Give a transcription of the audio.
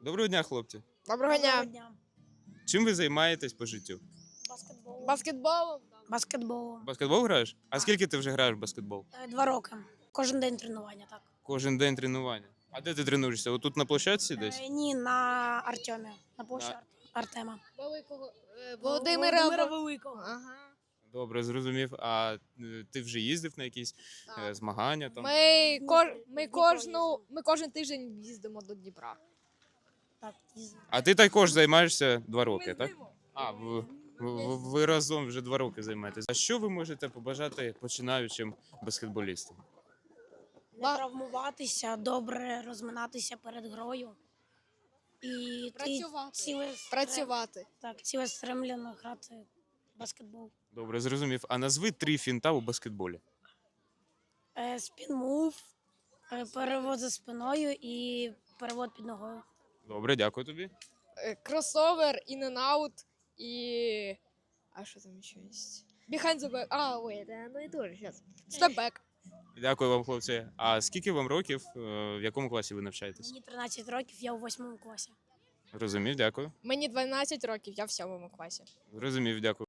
Доброго дня, хлопці. Доброго дня. Чим ви займаєтесь по життю? Баскетболом. В баскетбол граєш? А скільки ти вже граєш в баскетбол? 2 роки. Кожен день тренування, так. Кожен день тренування. А де ти тренуєшся? Отут на площадці десь? Ні, на Артемі, на площі Артема. Великого. Володимира Великого. Ага. Добре, зрозумів. А ти вже їздив на якісь Так. змагання там? Ми кожен тиждень їздимо до Дніпра. Так, А ти також займаєшся 2 роки, так? А, ви разом вже 2 роки займаєтесь. А що ви можете побажати починаючим баскетболістам? не травмуватися, добре розминатися перед грою. І Працювати. цілеспрямлено грати в баскетбол. Добре, зрозумів. А назви 3 фінта у баскетболі. Спін-мув, перевод за спиною і перевод під ногою. Добре, дякую тобі. Кросовер, in-and-out і... А що там ще є? Behind the back. Ну і тоже зараз. Степ-бек. Дякую вам, хлопці. А скільки вам років? В якому класі ви навчаєтесь? Мені 13 років, я у 8 класі. Розумів, дякую. Мені 12 років, я в 7 класі. Розумів, дякую.